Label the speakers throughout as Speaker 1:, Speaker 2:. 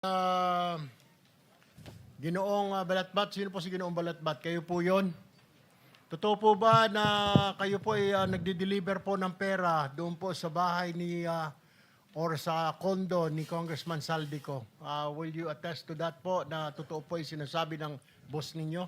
Speaker 1: Ah, Ginoong Balatbat, sino po si Ginoong Balatbat? Kayo po yon. Totoo po ba na kayo po ay nagde-deliver po ng pera doon po sa bahay ni or sa condo ni Congressman Saldico? Will you attest to that po na totoo po ay sinasabi ng boss ninyo?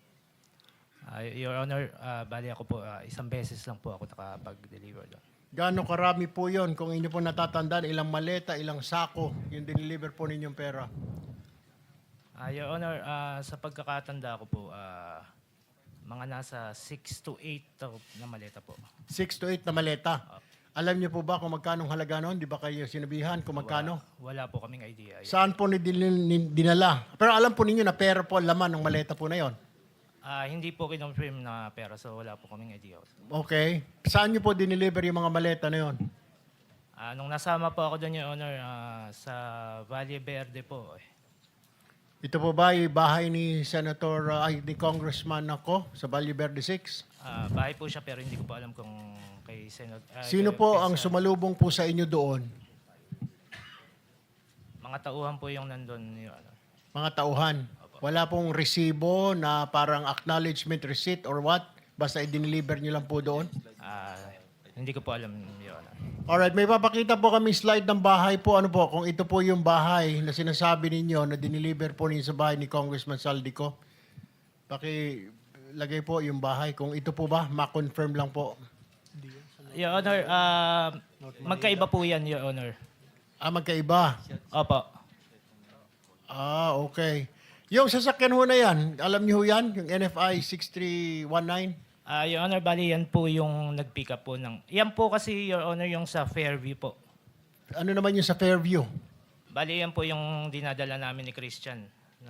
Speaker 2: Your Honor, bali ako po, isang beses lang po ako nakapag-deliver doon.
Speaker 1: Gaano karami po yon kung inyo po natatandaan, ilang maleta, ilang sako yung deliver po ninyong pera?
Speaker 2: Your Honor, sa pagkakatanda ko po, mga nasa 6 to 8 na maleta po.
Speaker 1: 6 to 8 na maleta. Alam niyo po ba kung magkano halaga noon? Di ba kayo sinabihan kung magkano?
Speaker 2: Wala po kaming idea.
Speaker 1: Saan po dinala? Pero alam po ninyo na pera po ang laman ng maleta po na yon.
Speaker 2: Hindi po kinonfirm na pera, so wala po kaming idea.
Speaker 1: Okay. Saan niyo po dineliver yung mga maleta na yon?
Speaker 2: Nung nasama po ako doon, Your Honor, sa Valle Verde po.
Speaker 1: Ito po ba yung bahay ni ni Congressman ako sa Valle Verde 6?
Speaker 2: Bahay po siya pero hindi ko po alam kung kay Senate.
Speaker 1: Sino po ang sumalubong po sa inyo doon?
Speaker 2: Mga tauhan po yung nandun, Your Honor.
Speaker 1: Mga tauhan. Wala pong resibo na parang acknowledgement receipt or what? Basta i-deliver nyo lang po doon?
Speaker 2: Hindi ko po alam, Your Honor.
Speaker 1: Alright, may papakita po kami slide ng bahay po. Ano po, kung ito po yung bahay na sinasabi ninyo na dineliver po ninyo sa bahay ni Congressman Saldico. Pakilagay po yung bahay. Kung ito po ba, ma-confirm lang po.
Speaker 2: Your Honor, magkaiba po yan, Your Honor.
Speaker 1: Magkaiba.
Speaker 2: Opo.
Speaker 1: Okay. Yung sasakyan ho na yan, alam niyo ho yan? Yung NFI 6319?
Speaker 2: Your Honor, bali yan po yung nag-pick up po ng... Yan po kasi, Your Honor, yung sa Fairview po.
Speaker 1: Ano naman yung sa Fairview?
Speaker 2: Bali yan po yung dinadala namin ni Christian.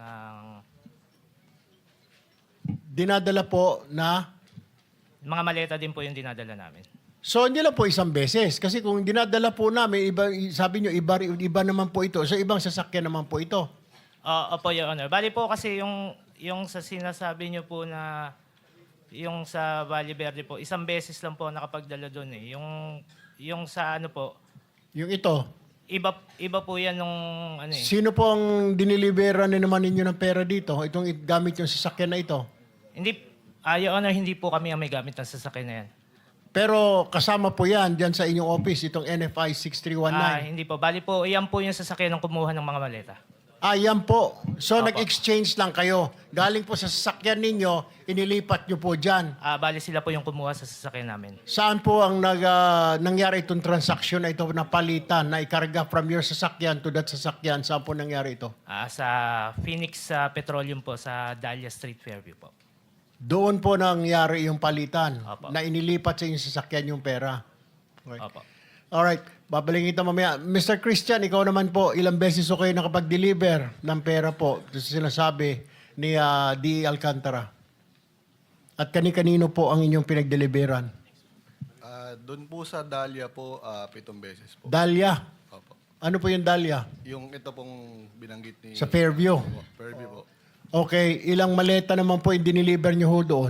Speaker 1: Dinadala po na?
Speaker 2: Mga maleta din po yung dinadala namin.
Speaker 1: So, hindi lang po isang beses. Kasi kung dinadala po namin, sabi nyo, iba naman po ito. So, ibang sasakyan naman po ito.
Speaker 2: Opo, Your Honor. Bali po kasi yung sa sinasabi nyo po na yung sa Valle Verde po, isang beses lang po nakapagdala doon eh. Yung sa ano po,
Speaker 1: Yung ito.
Speaker 2: iba po yan nung ano eh.
Speaker 1: Sino po ang dinilibera na naman ninyo ng pera dito? Itong gamit yung sasakyan na ito?
Speaker 2: Hindi, Your Honor, hindi po kami ang may gamit ng sasakyan na yan.
Speaker 1: Pero kasama po yan dyan sa inyong office, itong NFI 6319.
Speaker 2: Hindi po. Bali po, iyan po yung sasakyan ng kumuha ng mga maleta.
Speaker 1: Yan po. So,
Speaker 2: Opo.
Speaker 1: nag-exchange lang kayo. Galing po sa sasakyan ninyo, inilipat nyo po dyan.
Speaker 2: Bali sila po yung kumuha sa sasakyan namin.
Speaker 1: Saan po ang nangyari itong transaction na ito na palitan, na ikarga from your sasakyan to that sasakyan? Saan po nangyari ito?
Speaker 2: Sa Phoenix Petroleum po, sa Dahlia Street, Fairview po.
Speaker 1: Doon po nangyari yung palitan,
Speaker 2: Opo.
Speaker 1: na inilipat sa inyong sasakyan yung pera. Okay.
Speaker 2: Opo.
Speaker 1: Alright, babalikin kita mamaya. Mr. Christian, ikaw naman po, ilang beses kayo nakapag-deliver ng pera po sa sinasabi ni D. Alcantara? At kani-kanino po ang inyong pinag-deliveran?
Speaker 3: Doon po sa Dahlia po, 7 beses po.
Speaker 1: Dahlia.
Speaker 3: Opo.
Speaker 1: Ano po yung Dahlia?
Speaker 3: Yung ito pong binanggit ni...
Speaker 1: Sa Fairview.
Speaker 3: Opo, Fairview po.
Speaker 1: Okay, ilang maleta naman po yung diniliver nyo ho doon?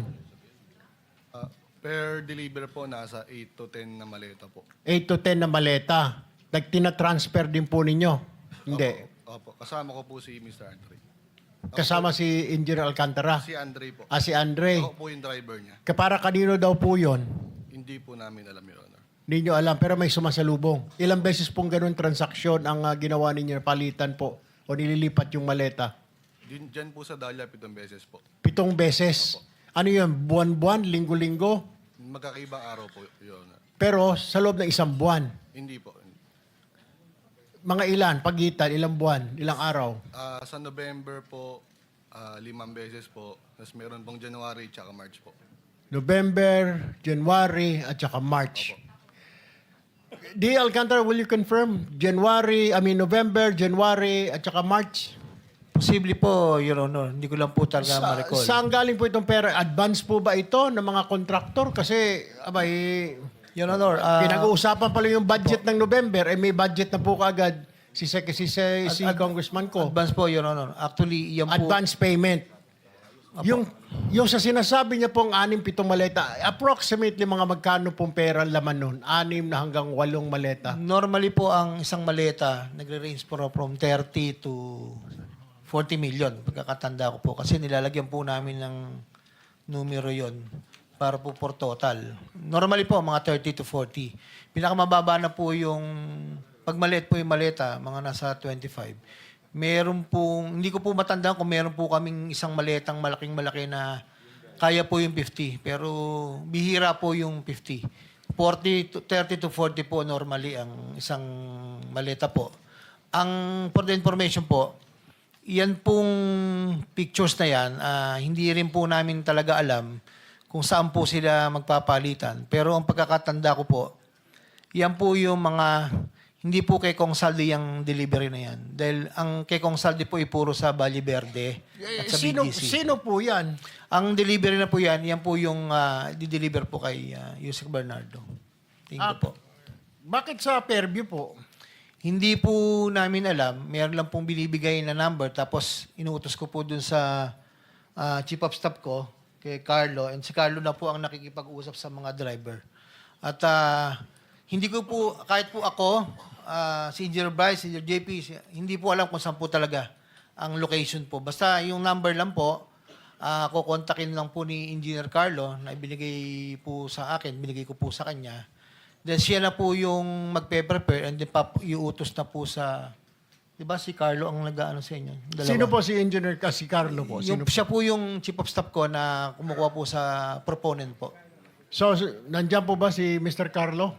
Speaker 3: Per deliver po, nasa 8 to 10 na maleta po.
Speaker 1: 8 to 10 na maleta. Nagtina-transfer din po ninyo? Hindi.
Speaker 3: Opo. Kasama ko po si Mr. Andre.
Speaker 1: Kasama si Engineer Alcantara?
Speaker 3: Si Andre po.
Speaker 1: Si Andre.
Speaker 3: Ako po yung driver niya.
Speaker 1: Para kanino daw po yon?
Speaker 3: Hindi po namin alam, Your Honor.
Speaker 1: Hindi nyo alam, pero may sumasalubong. Ilang beses pong ganun transaksyon ang ginawa ninyo, palitan po, o nililipat yung maleta?
Speaker 3: Diyan po sa Dahlia, 7 beses po.
Speaker 1: 7 beses. Ano yun? Buwan-buwan? Linggo-linggo?
Speaker 3: Magkakaibang araw po, Your Honor.
Speaker 1: Pero sa loob ng isang buwan.
Speaker 3: Hindi po.
Speaker 1: Mga ilan? Pagitan? Ilang buwan? Ilang araw?
Speaker 3: Sa November po, 5 beses po. Tapos meron pong January at March po.
Speaker 1: November, January, at saka March. D. Alcantara, will you confirm? November, January, at saka March?
Speaker 4: Posible po, Your Honor. Hindi ko lang po talaga ma-recall.
Speaker 1: Saan galing po itong pera? Advance po ba ito ng mga kontraktor? Kasi,
Speaker 4: Your Honor,
Speaker 1: pinag-uusapan pala yung budget ng November, may budget na po kaagad si Congressman ko.
Speaker 4: advance po, Your Honor. Actually, yan po...
Speaker 1: Advance payment. Yung sa sinasabi niya pong 6-7 maleta, approximately mga magkano pong pera ang laman nun? 6 na hanggang 8 maleta.
Speaker 4: Normally po ang isang maleta, nagre-range po from 30 to 40 million. Pagkakatanda ko po. Kasi nilalagyan po namin ng numero yon para po for total. Normally po, mga 30 to 40. Pinakamababa na po yung, pag maliit po yung maleta, mga nasa 25. Meron pong, hindi ko po matandaan kung meron po kaming isang maletang malaking-malaki na kaya po yung 50. Pero bihira po yung 50. 30 to 40 po normally ang isang maleta po. Ang for the information po, yan pong pictures na yan, hindi rin po namin talaga alam kung saan po sila magpapalitan. Pero ang pagkakatanda ko po, yan po yung mga, hindi po kay Kong Saldi yung delivery na yan. Dahil ang kay Kong Saldi po ay puro sa Valle Verde at sa BGC.
Speaker 1: Sino po yan?
Speaker 4: Ang delivery na po yan po yung di-deliver po kay Yusek Bernardo. Tingin ko po.
Speaker 1: Bakit sa Fairview po?
Speaker 4: Hindi po namin alam. Meron lang pong binibigay na number. Tapos inuutos ko po dun sa chief of staff ko, kay Carlo. And si Carlo na po ang nakikipag-usap sa mga driver. At hindi ko po, kahit po ako, si Engineer Bryce, si Engineer JP, hindi po alam kung saan po talaga ang location po. Basta yung number lang po, kukontakin lang po ni Engineer Carlo na ibinigay po sa akin, binigay ko po sa kanya. Then siya na po yung magpe-prepare and then iuutos na po sa, di ba si Carlo ang nag-ano sa inyo? Dalawa.
Speaker 1: Sino po si Engineer si Carlo po? Sino po?
Speaker 4: Siya po yung chief of staff ko na kumukuha po sa proponent po.
Speaker 1: So, nandiyan po ba si Mr. Carlo?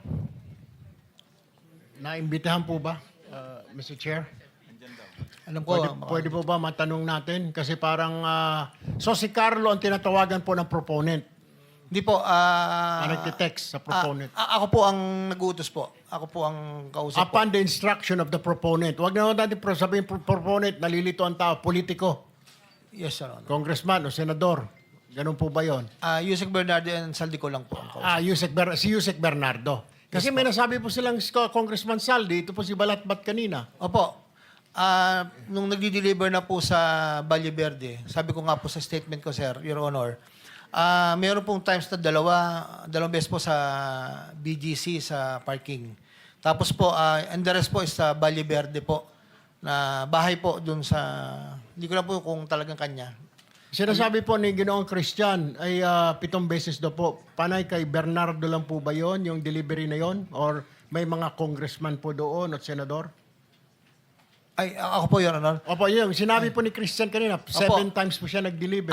Speaker 1: Naimbitahan po ba, Mr. Chair?
Speaker 4: Alam ko,
Speaker 1: Pwede po ba matanong natin? Kasi parang, so si Carlo ang tinatawagan po ng proponent.
Speaker 4: hindi po.
Speaker 1: Nagtitext sa proponent.
Speaker 4: Ako po ang nag-uutos po. Ako po ang kausap po.
Speaker 1: Upon the instruction of the proponent. Huwag na natin sabihin proponent, nalilito ang tao, politiko,
Speaker 4: Yes, Sir Honor.
Speaker 1: congressman o senador. Ganun po ba yun?
Speaker 4: Yusek Bernardo and Saldi ko lang po ang kausap.
Speaker 1: Si Yusek Bernardo. Kasi may nasabi po silang Congressman Saldi, ito po si Balatbat kanina.
Speaker 4: Opo. Nung nagdi-deliver na po sa Valle Verde, sabi ko nga po sa statement ko, Sir, Your Honor, meron pong times na dalawang beses po sa BGC sa parking. Tapos po, and the rest po is sa Valle Verde po, na bahay po dun sa, hindi ko lang po kung talagang kanya.
Speaker 1: Sinasabi po ni Ginoong Christian ay 7 beses daw po. Panay kay Bernardo lang po ba yon yung delivery na yon? Or may mga congressman po doon at senador?
Speaker 4: Ay, ako po, Your Honor.
Speaker 1: Opo, yun. Sinabi po ni Christian kanina, 7 times po siya nag-deliver.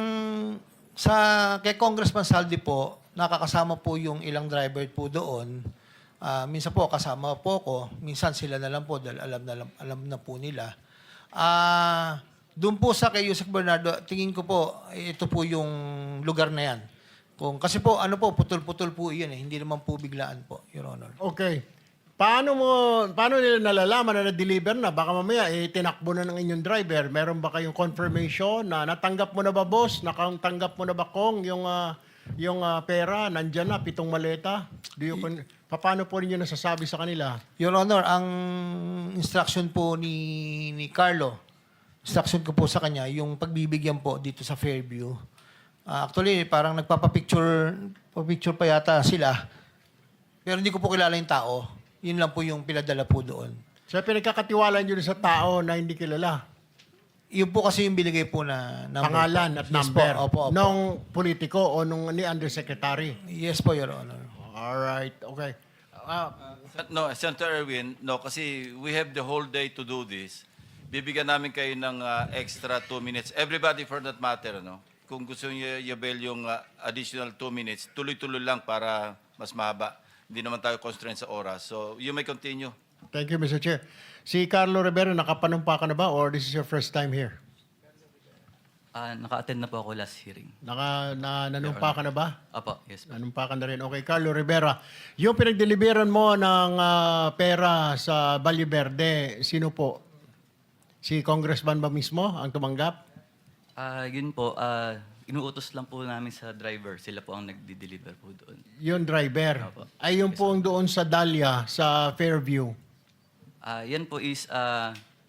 Speaker 4: Kay Congressman Saldi po, nakakasama po yung ilang driver po doon. Minsan po kasama po ko, minsan sila na lang po dahil alam na po nila. Doon po sa kay Yusek Bernardo, tingin ko po ito po yung lugar na yan. Kasi po putol-putol po 'yun eh, hindi naman po biglaan po, Your Honor.
Speaker 1: Okay. Paano nila nalalaman na na-deliver na? Baka mamaya, tinakbo na ng inyong driver. Meron ba kayong confirmation na natanggap mo na ba, boss? Natanggap mo na ba, Kong, yung pera? Nandyan na, 7 maleta? Paano po ninyo nasasabi sa kanila?
Speaker 4: Your Honor, ang instruction po ni Carlo, instruction ko po sa kanya, yung pagbibigyan po dito sa Fairview. Actually, parang nagpapapicture pa yata sila. Pero hindi ko po kilala yung tao. Yun lang po yung pinadala po doon.
Speaker 1: So, pinagkakatiwala nyo sa tao na hindi kilala?
Speaker 4: Yun po kasi yung binigay po na number.
Speaker 1: Pangalan at
Speaker 4: Yes
Speaker 1: number?
Speaker 4: po, opo.
Speaker 1: Nung politiko o nung ni undersecretary?
Speaker 4: Yes po, Your Honor.
Speaker 1: Alright, okay.
Speaker 5: No, Senator Erwin, no, kasi we have the whole day to do this. Bibigyan namin kayo ng extra 2 minutes. Everybody for that matter, no? Kung gusto niyo i-avail yung additional 2 minutes, tuloy-tuloy lang para mas mahaba. Hindi naman tayo constrained sa oras. So, you may continue.
Speaker 1: Thank you, Mr. Chair. Si Carlo Rivera, nakapanumpa ka na ba or this is your first time here?
Speaker 6: Naka-attend na po ako last hearing.
Speaker 1: Nanumpa ka na ba?
Speaker 6: Apo, yes po.
Speaker 1: Nanumpa ka na rin. Okay, Carlo Rivera. Yung pinagdeliveran mo ng pera sa Valle Verde, sino po? Si Congressman ba mismo ang tumanggap?
Speaker 6: Yun po, inuutos lang po namin sa driver. Sila po ang nagdi-deliver po doon.
Speaker 1: Yung driver.
Speaker 6: Opo.
Speaker 1: Ay, yung po ang doon sa Dahlia, sa Fairview.
Speaker 6: Yan po is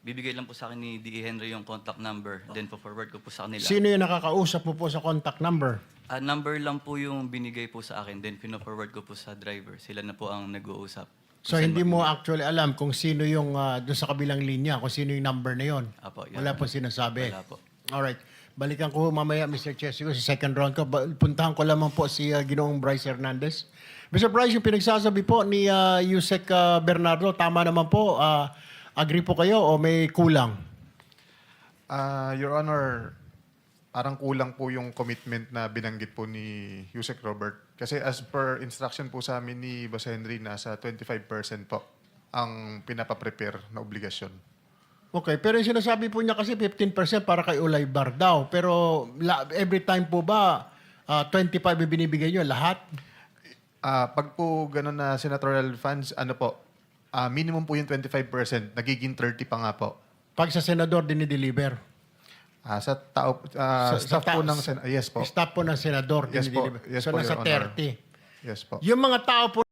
Speaker 6: bibigay lang po sa akin ni D.E. Henry yung contact number, then po-forward ko po sa kanila.
Speaker 1: Sino yung nakakausap mo po sa contact number?
Speaker 6: Number lang po yung binigay po sa akin, then pino-forward ko po sa driver. Sila na po ang nag-uusap.
Speaker 1: So hindi mo actually alam kung sino yung doon sa kabilang linya, kung sino yung number na yon.
Speaker 6: Apo, yun.
Speaker 1: Wala po sinasabi.
Speaker 6: Wala po.
Speaker 1: Alright. Balikan ko mamaya, Mr. Chesico, sa second round ko. Puntahan ko lamang po si Ginoong Bryce Hernandez. Mr. Bryce, yung pinagsasabi po ni Yusek Bernardo, tama naman po. Agree po kayo o may kulang?
Speaker 7: Your Honor, parang kulang po yung commitment na binanggit po ni Yusek Robert. Kasi as per instruction po sa amin ni Boss Henry, nasa 25% po ang pinapaprepare na obligasyon.
Speaker 1: Okay, pero yung sinasabi po niya kasi 15% para kay Ulay Bar daw. Pero every time po ba 25 yung binibigay niyo lahat?
Speaker 7: Pag po ganun na senatorial funds, ano po, minimum po yung 25%, nagiging 30 pa nga po.
Speaker 1: Pag sa senador dinideliver.
Speaker 7: Sa tao, staff po ng yes po.
Speaker 1: Staff po ng senador
Speaker 7: Yes po.
Speaker 1: dinideliver.
Speaker 7: Yes
Speaker 1: So
Speaker 7: po,
Speaker 1: nasa
Speaker 7: Your Honor.
Speaker 1: 30.
Speaker 7: Yes po.
Speaker 1: Yung mga tao po